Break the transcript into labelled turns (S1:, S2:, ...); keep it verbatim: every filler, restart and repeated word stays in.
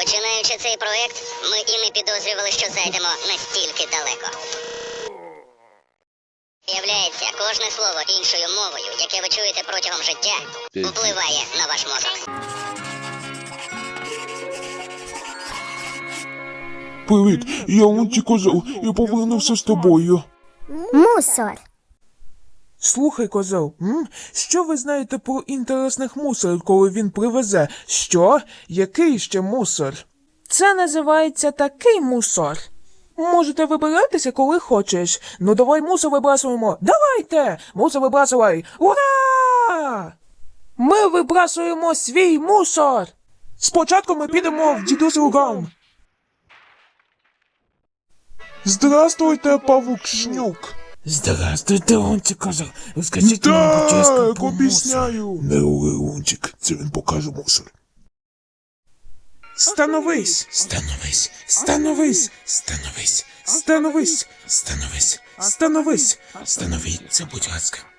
S1: Починаючи цей проект, ми і не підозрювали, що зайдемо настільки далеко. Виявляється, кожне слово іншою мовою, яке ви чуєте протягом життя, впливає на ваш мозок.
S2: Привіт, я Лунтик Козел, я повернувся з тобою.
S3: Мусор.
S4: Слухай, козел, м? Що ви знаєте про інтересних мусорів, коли він привезе? Що? Який ще мусор? Це називається такий мусор. Можете вибиратися, коли хочеш. Ну давай мусор вибрасуємо. Давайте! Мусор вибрасувай! Ура! Ми вибрасуємо свій мусор! Спочатку ми підемо в дідусів гам.
S2: Здравствуйте, павук Шнюк.
S4: Здравствуйте, Лунтик Козел. Розкажіть нам, будь ласка,
S2: Так,
S4: про мусор.
S2: обіцяю. Не рули, Лунтик, це він покаже мусор.
S4: Становись! Становись! Становись! Становись! Становись! Становись! Становись! Становіться, будь ласка.